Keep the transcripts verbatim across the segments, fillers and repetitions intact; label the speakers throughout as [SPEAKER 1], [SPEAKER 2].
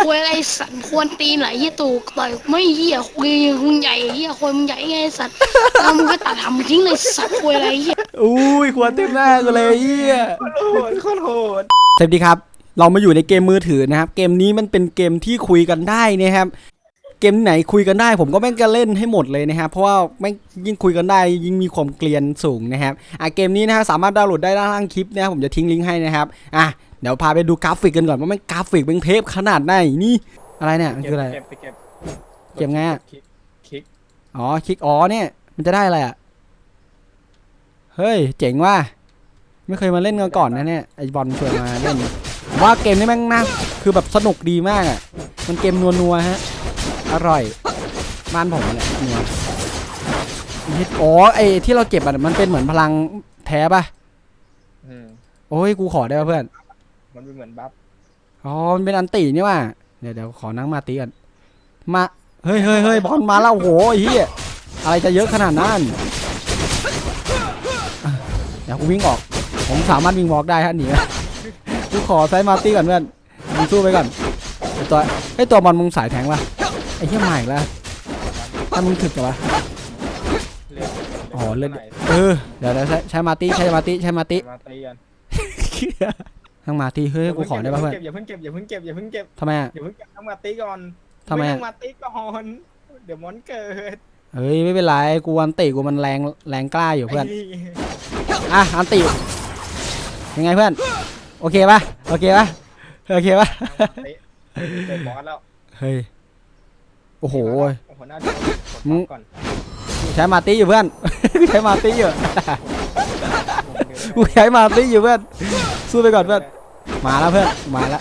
[SPEAKER 1] คุยอะไรสัตว์ควรตีนไหลยี่ตูต่อยไม่เหี้ยคุยมึงใหญ่เหี้ยคุยมึงใหญ่ไงสัตว์เอามึงก็ตัดทำทิ้งเลยสัตว์คุยอะไรเหี้ย
[SPEAKER 2] อุ้ยขวดเต็มหน้ากูเลยเฮีย
[SPEAKER 3] โคตรโหดโคตรโหด
[SPEAKER 2] สวัสดีครับเรามาอยู่ในเกมมือถือนะครับเกมนี้มันเป็นเกมที่คุยกันได้นะครับเกมไหนคุยกันได้ผมก็แม่งจะเล่นให้หมดเลยนะครับเพราะว่าแม่งยิ่งคุยกันได้ยิ่งมีความเกลียนสูงนะครับอ่ะเกมนี้นะฮะสามารถดาวน์โหลดได้ด้านล่างคลิปนะครับผมจะทิ้งลิงก์ให้นะครับอ่ะเดี๋ยวพาไปดูกราฟิกกันก่อนว่าแม่งกราฟิกเป็นเทพขนาดไหนนี่อะไรเนี่ยมันคืออะไร
[SPEAKER 3] เก็บไปเก็บ
[SPEAKER 2] เก็บไงอ่ะ
[SPEAKER 3] คลิก
[SPEAKER 2] อ๋อคลิกอ๋อเนี่ยมันจะได้อะไรอ่ะเฮ้ยเจ๋งว่ะไม่เคยมาเล่นกันก่อนนะเนี่ยไอบอลชวนมาเล่นว่าเกมนี้แม่งน่าคือแบบสนุกดีมากอ่ะมันเกมนัวๆฮะอร่อยบ้านผมแหละนัวอ๋อไอที่เราเก็บอ่ะมันเป็นเหมือนพลังแท้ป่ะโอ้ยกูขอได้ป่ะเพื่อน
[SPEAKER 3] มันเป็นเหมือนบัฟ
[SPEAKER 2] อ๋อมันเป็นอันตีนี่ว่ะเดี๋ยวเดี๋ยวขอนั่งมาตีกันมาเฮ้ยเฮ้ยเฮ้ยบอลมาแล้วโหเฮียอะไรจะเยอะขนาดนั้นเดี๋ยวกูวิ่งออกผมสามารถวิ่งวอล์กได้ฮะหนีกูขอไซมาร์ตี้ก่อนเพื่อนมึงสู้ไปก่อนตัวไอตัวบอลมึงสายแทงป่ะไอ้เหี้ยใหม่แล้วถ้ามึงถึกเหรอวะอ๋อเล่นเออเดี๋ยวใช้ใช้มาร์ตี้ใช้มาร์ตี้ใช้มาร์ตี้ทั้งมาร์ตี้เฮ้ยกูขอได้ป่ะเพื่อน
[SPEAKER 3] อย่าเพิ่งเก็บอย่าเพิ่งเก็บอย่าเพิ่งเก็บ
[SPEAKER 2] ทำไมอ่ะ
[SPEAKER 3] อย่าเพิ่งเก็บทั้งมาร์ตี้ก่อน
[SPEAKER 2] ทำไม
[SPEAKER 3] ทั้งมาร์ตี้ก่อนเดี๋ยวมอนเกิด
[SPEAKER 2] เฮ้ยไม่เป็นไรกูอันติกูมันแรงแรงกล้าอยู่เพื่อนอ่ะอันติยังไงเพื่อนโอเคป่ะโอเคป่ะโอเคป่ะ
[SPEAKER 3] เจอบอสแล้ว
[SPEAKER 2] เฮ้ยโอ้โห
[SPEAKER 3] มึง
[SPEAKER 2] ใช้มาตี้อยู่เพื่อนใช้มาตี้อยู่กูใช้มาตี้อยู่เพื่อนสู้ไปก่อนเพื่อนมาแล้วเพื่อนมาแล้ว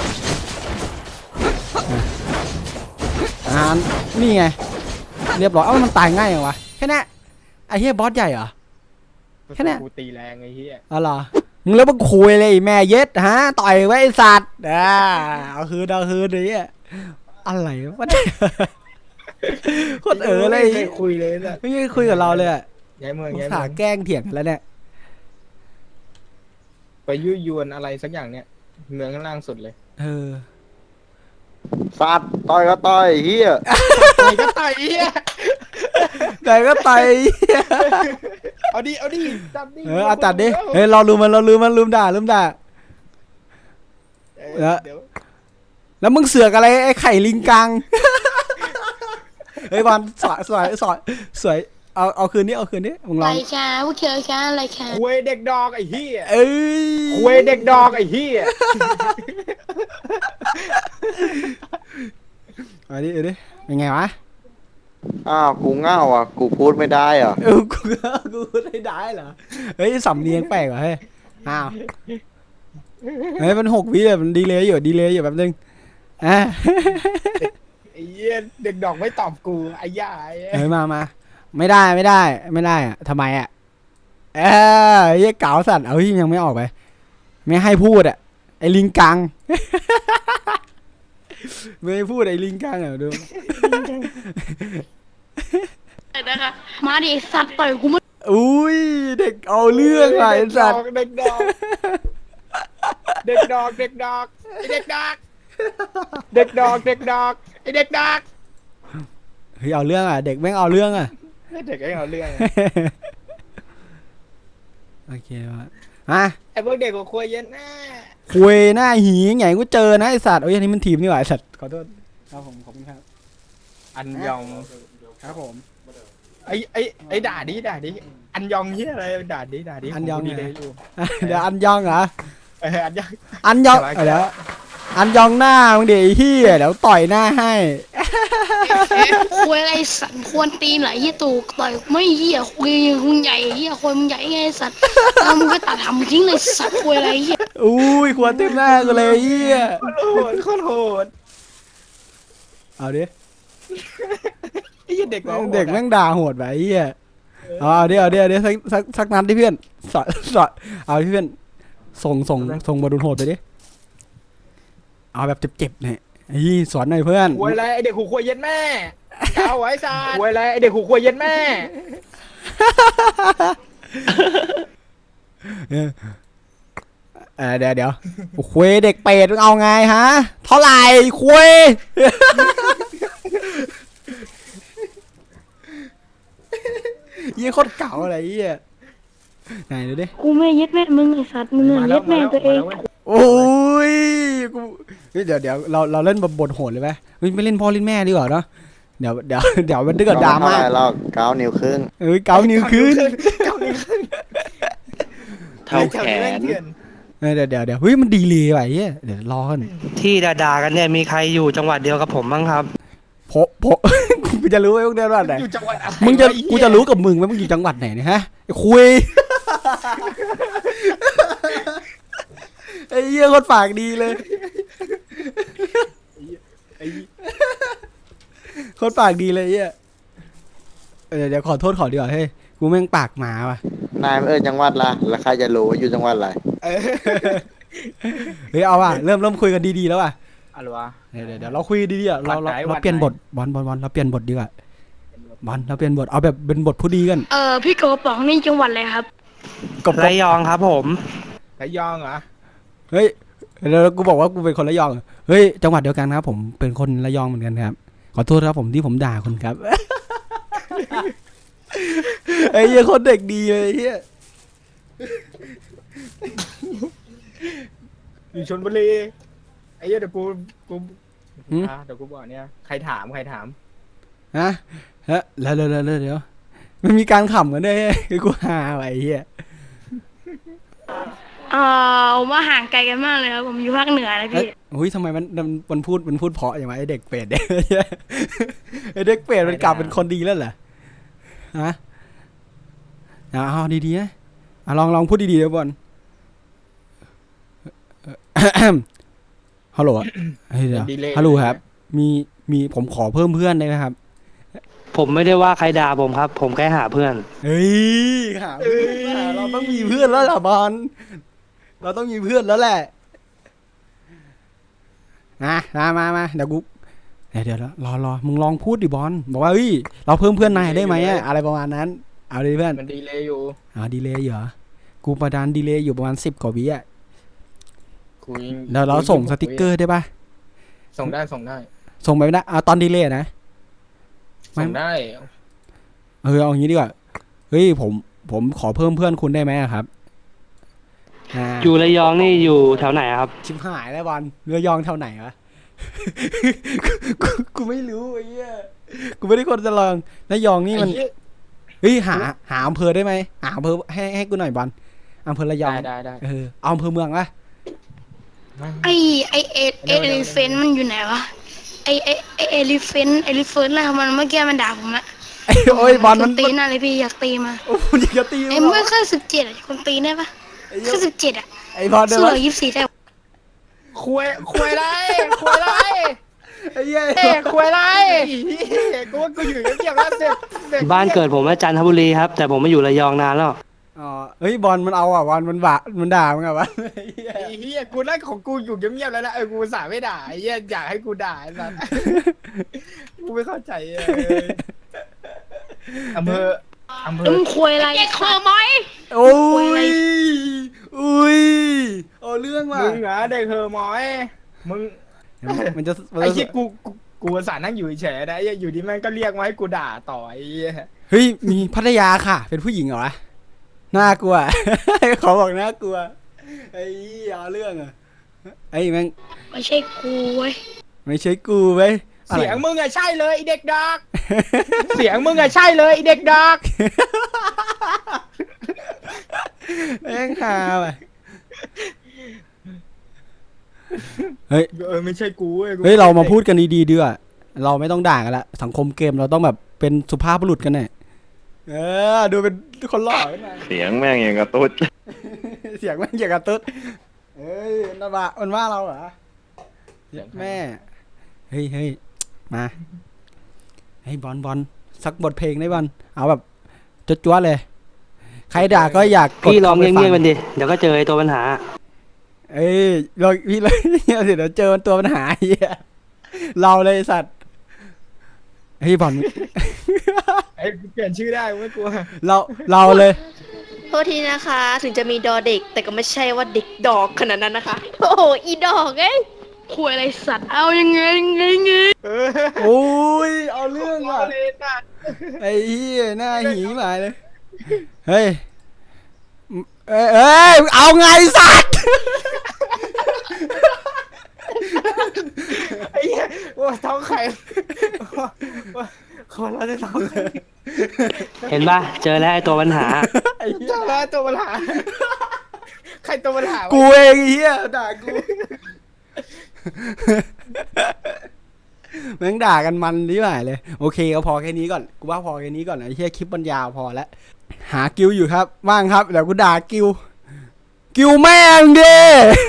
[SPEAKER 2] อ่านี่ไงเรียบร้อยเอ้ามันตายง่ายอย่างวะแค่นี้ไอ้เหี้ยบอสใหญ่เหรอแค่นี้
[SPEAKER 3] กูตีแรงไอ้เหี้ย
[SPEAKER 2] อ๋อเหรอมึงแล้วมึงคุยเลยแม่เย็ดฮะต่อยไว้ไอ้สัตว์อ่าเอาคืนเอาคืนนี่อะไรวะโคตรเอ๋อเลย
[SPEAKER 3] ไม่คุยเลยนะ
[SPEAKER 2] ไม่ได้คุยกับเราเลยอ่ะ
[SPEAKER 3] ย้ายเมือง
[SPEAKER 2] ย้ายเมืองแกล้งเถียงกันแล้วเนี่ย
[SPEAKER 3] ไปยุยวนอะไรสักอย่างเนี่ยเมืองข้างล่างสุดเลย
[SPEAKER 2] เออ
[SPEAKER 4] สัตว์ต่อยก็ต่อยเฮีย
[SPEAKER 3] ต่อยก็ต่อยเฮีย
[SPEAKER 2] ต่อยก็ต่อย
[SPEAKER 3] เอาดิเอาดิตัดดิ
[SPEAKER 2] เออเอาตัดดิเฮ้ยเราลืมมันเราลืมมันลืมด่าลืมด่าแล้วแล้วมึงเสือกอะไรไอ้ไข่ลิงกังเฮ้ยบอลสวยสวยสวยสวยเอาเอาคืนนี้เอาคืนนี้มึงลอง
[SPEAKER 1] อะไรคะพวกเธอคะอะไรคะ
[SPEAKER 3] คุยเด็กดอกไอ้เหี้ย
[SPEAKER 2] เอ้ย
[SPEAKER 3] คุยเด็กดอกไอ้เหี้ย
[SPEAKER 2] เอาดิเอาดิเป็นไงวะ
[SPEAKER 4] อ้าวกูเง่าอ่ะกูพูดไม่ได้อ่ะ
[SPEAKER 2] เออกูกูพูดไม่ได้เหรอเฮ้ยสำเนียงแปลกว่ะเฮ้ยอ้าวเฮ้ยมันหกวิเลยมันดีเลยอยู่ดีเลยอยู่แบบนึงอ่ะ
[SPEAKER 3] ไอ้เหี้ยเด็กดอกไม่ตอบกูไอ้ย่า
[SPEAKER 2] เฮ้ยมามาไม่ได้ไม่ได้ไม่ได้อะทำไมอ่ะเออไอ้เก๋าสัตว์เอ้ยยังไม่ออกไปไม่ให้พูดอ่ะไอ้ลิงกังไม่ให้พูดไอ้ลิงกังอ่ะดู
[SPEAKER 1] นะคะมาดิสัตว์ต่อยกูไม่
[SPEAKER 2] อุ้ยเด็กเอาเรื่องไอ้สัตว์
[SPEAKER 3] เด็กดอกเด็กดอกเด็กดอกไอ้เด็กดอกเด็กดอกเด็กดอกไอ้เด็กดอก
[SPEAKER 2] เฮ้ยเอาเรื่องอ่ะเด็กแม่งเอาเรื่องอ่ะ
[SPEAKER 3] เด็กแม่งเอาเรื่อง
[SPEAKER 2] โอเควะฮะ
[SPEAKER 3] ไอ้พวกเด็กกับคุยเย็นหน้า
[SPEAKER 2] คุยหน้าหีไงกูเจอนะไอสัตว์โอ้ยอันนี้มันทีมนี่หว่าไอสัตว์ขอโทษครับผมขอบคุณครับ
[SPEAKER 3] อันยอง
[SPEAKER 2] ครับผม
[SPEAKER 3] ไอ้ไอ้ไอ้ด่าดิด่าดิอันยองเฮียอะไรด่าดิด่าดิ
[SPEAKER 2] อันยอง
[SPEAKER 3] ดีเลย
[SPEAKER 2] เดี๋ยวอันยองเหรอ
[SPEAKER 3] เอออันยอง
[SPEAKER 2] อันยองเดี๋ยวอันยองหน้ามึงเดี๋ยวไอ้เหี้ยเดี๋ยวต่อยหน้าให้
[SPEAKER 1] คุยอะไรสัตว์ควรตีนไหลยี่ตูต่อยไม่เหี้ยคุยมึงใหญ่เหี้ยคุยมึงใหญ่ไงสัตว์เอามึงก็ตัดทำทิ้งเลยสัตว์คุยอะไรเหี้ย
[SPEAKER 2] อุ้ยควรเต็มหน้ากูเลยเหี้ย
[SPEAKER 3] โหดโคตรโหด
[SPEAKER 2] เอาดิ
[SPEAKER 3] ไอ้เด็ก
[SPEAKER 2] เด็กแม่งด่าโหดไปเหี้ยเอาเดี๋ยวเดี๋ยวเดี๋ยวสักสักสักนัดที่เพื่อนสอดสอดเอาที่เพื่อนส่งส่งส่งบอลโหดไปดิเอาแบบเจ็บๆเนี่ยไอ้สอนหน่อยเพื่อน
[SPEAKER 3] คุยอะไรไอเด็กหูคุยเย็นแม่เอาไว้ซาคุยอะไรไอเด็กหูคุยเย็นแม่
[SPEAKER 2] เออเดี๋ยวเดี๋ยวคุยเด็กเป็ดเอาไงฮะเท่าไหร่คุยยี่โคตรเก่าอะไรยี่ไหนดูดิ
[SPEAKER 1] กูไม่ยึดแม่มึงไอ้สัตว์มึงอะยึดแม่ตัวเอง
[SPEAKER 2] โอ้ยกูเดี๋ยวเดี๋ยวเราเราเล่นบทโหดเลยไหมไม่เล่นพ่อเล่นแม่ดีกว่าเนาะเดี๋ยวเดี๋ยวเดี๋ยวมันเดือดดราม่า
[SPEAKER 4] เท่าไหร่เราเก้านิ้วครึ่ง
[SPEAKER 2] เอ้ยเกานิ้วขึ้น
[SPEAKER 3] เก้านิ้วขึ้น
[SPEAKER 4] เท่าแขน
[SPEAKER 2] เดี๋ยวเดี๋ยวเดี๋ยวเฮ้ยมันดีเลยว่ะเฮ้ยเดี๋ยวรอกัน
[SPEAKER 5] ที่ด่าๆกันเนี่ยมีใครอยู่จังหวัดเดียวกับผมบ้างครับ
[SPEAKER 2] โผโผ กูจะรู้ไหมพวกเดียวว่าไหน
[SPEAKER 3] อยู่จังหวัดอะไร
[SPEAKER 2] มึงจะ
[SPEAKER 3] วไอ้เหี้ย
[SPEAKER 2] กูจะรู้กับมึงไหมมึงอยู่จังหวัดไหนเนี่ยฮะไอ้คุยไอ้เหี้ยคนปากดีเลย
[SPEAKER 3] ไอ้
[SPEAKER 2] คนปากดีเลยเหี้ยเออเดี๋ยวขอโทษขอดีกว่าเฮ้ยกูแม่งปากหมาว่ะ
[SPEAKER 4] นายเออจังหวัดละแล้วใครจะรู้ว่าอยู่จังหวัดอะไร
[SPEAKER 3] เออ
[SPEAKER 2] เฮ้ยเอาว่ะเริ่มเริ่มคุยกันดีๆแล้วว่ะ
[SPEAKER 3] อะไรวะ
[SPEAKER 2] เดี๋ยวเดี๋ยวเดี๋ยวเราคุยดีๆอ่ะเราเรา
[SPEAKER 3] วัดไหนวั
[SPEAKER 2] เรา
[SPEAKER 3] ดไหน
[SPEAKER 2] เปลี่ยนบทบอลบอลบอลเราเปลี่ยนบทดีกว่าบอลเราเปลี่ยนบทเอาแบบเป็นบทผู้ดีกัน
[SPEAKER 1] เออพี่โกป๋องนี่จังหวัดอะไรครับ
[SPEAKER 2] กบก
[SPEAKER 5] ระ
[SPEAKER 2] บ
[SPEAKER 5] ยองครับผม
[SPEAKER 3] ระยองเหรอ
[SPEAKER 2] เฮ้ยแล้วกูบอกว่ากูเป็นคนระยองเฮ้ยจังหวัดเดียวกันครับผมเป็นคนระยองเหมือนกันครับขอโทษครับผมที่ผมด่าคุณครับ ไอ้เหี้ยคนเด็กดีเลยไอ้เหี้ย
[SPEAKER 3] อยู่ชลบุรีไอ้เหี้ยเดี๋ยวกูกูอ่ะเดี๋ยวกูบอกเนี่ยใครถามใครถาม
[SPEAKER 2] ฮะฮะแล้วเดี๋ยวเดี๋ยวเดี๋ยวไม่มีการขำกันด้วยคือกูหาไว้ไอ้เหี้ย
[SPEAKER 1] เออว่าห่างไกลกันมากเลยครับผมอยู่ภาคเหนือนะ
[SPEAKER 2] เอ้ย
[SPEAKER 1] พี่
[SPEAKER 2] อุ้ยทำไมมันมันมันพูดมันพูดเพราะอย่างไรไอเด็กเป็ดเนี่ย ไอเด็กเป็ดมันกลับเป็นคนดีแล้วเหรอฮะเอาเอาดีๆนะอ่ะลองลองพูดดีๆเดี๋ยวบอล ฮัลโหลเฮ้ยเดี๋ยว
[SPEAKER 3] ดีเลย
[SPEAKER 2] ฮัลโหลครับ มีมีผมขอเพิ่มเพื่อนได้ไหมครับ
[SPEAKER 5] ผมไม่ได้ว่าใครด่าผมครับ ผมแค่หาเพื่อน
[SPEAKER 2] เฮ้ยหาเพื่อนเราต้องมีเพื่อนแล้วล่ะบอลเราต้องมีเพื่อนแล้วแหละนะมามามาเดี๋ยวกูเดี๋ยวเดี๋ยวรอรอมึงลองพูดดิบอลบอกว่าเฮ้ยเราเพิ่มเพื่อนนายได้ไหมอะอะไรประมาณนั้นเอาดิเพื่อน
[SPEAKER 3] มันดีเลยอยู่
[SPEAKER 2] อ๋อดีเลยเหรอกูประดานดีเลยอยู่ประมาณสิบกว่าวิอะ
[SPEAKER 3] คุย
[SPEAKER 2] เดี๋ยวเราส่งสติกเกอร์ได้ปะ
[SPEAKER 3] ส่งได้ส่งได้
[SPEAKER 2] ส่งไปไม่ได้เอาตอนดีเลยนะ ไม่
[SPEAKER 3] ส่งได้
[SPEAKER 2] เออเอาอย่างนี้ดีกว่าเฮ้ยผมผมขอเพิ่มเพื่อนคุณได้ไหมอะครับอ่า
[SPEAKER 5] อยู่ระยองนี่อยู่แถวไหนครับ
[SPEAKER 2] ชิบหายแล้วบอลเรือยองเท่าไหนวะ กูกูไม่รู้ไอ้เหี้ยกูไม่ได้คนจะลองระยองนี่มัน
[SPEAKER 3] ไอ้เหี้ย
[SPEAKER 2] เฮ้ยหาหาอำเภอได้ไหมหาอำเภอให้ให้กูหน่อยบอลอำเภอระยอง
[SPEAKER 3] ได้ได้ได้
[SPEAKER 2] เออเอาอำเภอเมืองวะ
[SPEAKER 1] ไอไอเอเอลิเฟนมันอยู่ไหนวะไอไอไอเอลิเฟนเอลิเฟนอะไรของมันเมื่อกี้มันด่าผมอะ
[SPEAKER 2] ไอ้โอ้ยบอลมัน
[SPEAKER 1] คตีหน้าเลยพี่อยากตีมา
[SPEAKER 2] โอ้ยอยากจะตี
[SPEAKER 1] ไอ้
[SPEAKER 2] มึง
[SPEAKER 1] เมื่อแค่สิบเจ็ดอะคนตีได้ปะ
[SPEAKER 2] ไอ้เหี้ย
[SPEAKER 1] แค่สิบเจ็ดอะ
[SPEAKER 2] ไอ้บอลเดี๋ยว
[SPEAKER 1] สู้
[SPEAKER 2] วะ
[SPEAKER 1] กับยี่สิบสี่ได้ปะ
[SPEAKER 3] คุยคุยไรคุยไร
[SPEAKER 2] ไอ้เหี้ย
[SPEAKER 3] เอ้ยคุยไรกูว่ากูอยู่เงียบๆแล้วเสร็จสร็จ
[SPEAKER 5] บ้านเกิดผมว่าจันทบุรีครับ แต่ผมมาอยู่ระยองนานแล้ว
[SPEAKER 2] อ๋อเฮ้ยบอลมันเอาอ่ะบอลมันบะมันด่ามึงอ่ะวะไอ้เหี้ย
[SPEAKER 3] ไอ้เหี้ยกูนั่งของกูอยู่เงียบๆแล้วนะเออกูสาไม่ด่าไอ้เหี้ยอยากให้กูด่าไอ้สัส กูไม่เข้าใจเอออำเภออำเภ
[SPEAKER 1] แล้ว
[SPEAKER 3] อ
[SPEAKER 1] มึงคุยอะไรเคอไหม
[SPEAKER 2] โอ้ยอุ้ยเอาเรื่องว่ะ
[SPEAKER 3] มึงเหรอเด็กเฮอหมอยมึง
[SPEAKER 2] มันจะมัน
[SPEAKER 3] ไอ้
[SPEAKER 2] จะ
[SPEAKER 3] เหี้ยกูกูกูอุตสาห์นั่งอยู่เฉยๆนะไอ้เหี้ยอยู่ดีแม่งก็เรียกมาให้กูด่าต่อไอ้เหี้ย
[SPEAKER 2] เฮ้ยมีพัทยาค่ะ เป็นผู้หญิงเหรอวะน่ากลัว เขาบอกน่ากลัวไอ้เหี้ยเอาเรื่องอ่ะไอ้แม่ง
[SPEAKER 1] ไม่ใช่กูเว้ย
[SPEAKER 2] ไม่ใช่กูเว้ยอะไร
[SPEAKER 3] เสียงมึงอะใช่เลยไอ้เด็กดอก เสียงมึงอะใช่เลยไอ้เด็กดอก
[SPEAKER 2] แม่งฮาว่ะเฮ้ย
[SPEAKER 3] เออไม่ใช่กูเว้ยกู
[SPEAKER 2] เฮ้ยเรามาพูดกันดีๆดีกว่าเราไม่ต้องด่ากันละสังคมเกมเราต้องแบบเป็นสุภาพบุรุษกันแน่เออดูเป็นคนหล่อขึ้นมา
[SPEAKER 4] เสียงแม่งอย่างกระตุ้ด
[SPEAKER 2] เสียงแม่งเกี่ยวกับตุ๊ดเฮ้ยมันว่ามันว่าเราเหรอแม่เฮ้ยเฮ้ยมาเฮ้ยบอลบอลสักบทเพลงได้บอลเอาแบบจ๊วๆเลย ใครด่าก็อยากกด
[SPEAKER 5] พี่ลอง
[SPEAKER 2] ข้าไป
[SPEAKER 5] เงียบๆ
[SPEAKER 2] ฟั
[SPEAKER 5] มันดิ เดี๋ยวก็เจอไอ้ตัวปัญหา
[SPEAKER 2] เอ้ยลองพี่เลยเดี๋ยวเจอมันตัวปัญหาเหี้ยเราเลยไอ้สัตว์เฮ้ยบอล
[SPEAKER 3] ไอ้กูเปลี่ยนชื่อได้กูไม่กลัว
[SPEAKER 2] เราเราเลย
[SPEAKER 1] เอ
[SPEAKER 6] ษทีนะคะ ถึงจะมีดอเด็ก แต่ก็ไม่ใช่ว่าเด็กดอกขนาดนั้นนะคะ โอ้โหอีดอกเอ้ย
[SPEAKER 1] คุยอะไรสัตว์เอายังไงยังไงไง
[SPEAKER 3] เออ
[SPEAKER 2] โอ้ยเอาเรื่อง
[SPEAKER 3] เอา
[SPEAKER 2] อ่ะ
[SPEAKER 3] เลยนะ
[SPEAKER 2] ไอ้เหี้ยหน้าหีหมายเลยเฮ้ยเอ้ยเอ้ยเอาไงสัตว์
[SPEAKER 3] ไอ้เหี้ยว่าท้องไข่ว่าคนเราจะท้องไข่
[SPEAKER 5] เห็นปะเจอแล้วไอ้ตัวปัญหา
[SPEAKER 2] ไอ้เหี้ย
[SPEAKER 3] เจ้าแล้วตัวปัญหาใครตัวปัญหาวะ
[SPEAKER 2] กูเองไอ้เหี้ยด่ากูแม่งด่ากันมันนี่หมายเลยโอเคก็พอแค่นี้ก่อนกูว่าพอแค่นี้ก่อนไอ้เหี้ยคลิปมันยาวพอแล้วหากิวอยู่ครับว่างครับเดี๋ยวกูด่ากิวกิวแม่งดิ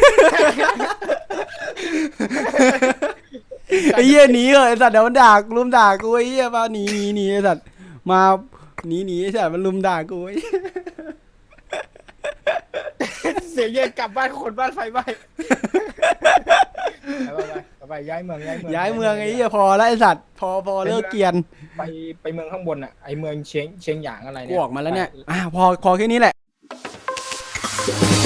[SPEAKER 2] ไอ้เหี้ยหนีเลยไอ้สัตว์เดี๋ยวมันด่ากูลุมด่ากูไอ้เหี้ยมาหนีหนีหนีไอ้สัตว์มาหนีหนีไอ้สัตว์มันลุมด่ากูไอ้
[SPEAKER 3] เสียงเย็นกลับบ้านคนบ้านไฟไหม้ไปไปไปย้ายเมืองย้ายเมือง
[SPEAKER 2] ย้ายเมืองไอ้เหี้ยพอแล้วไอ้สัตว์พอพอเลิกเกรียน
[SPEAKER 3] ไปไปเมืองข้างบนอ่ะไอเมืองเชียงเชียงหยางอะไร
[SPEAKER 2] กู
[SPEAKER 3] เนี่ย
[SPEAKER 2] ออกมาแล้วเนี่ยอ่ะพอพอแค่นี้แหละ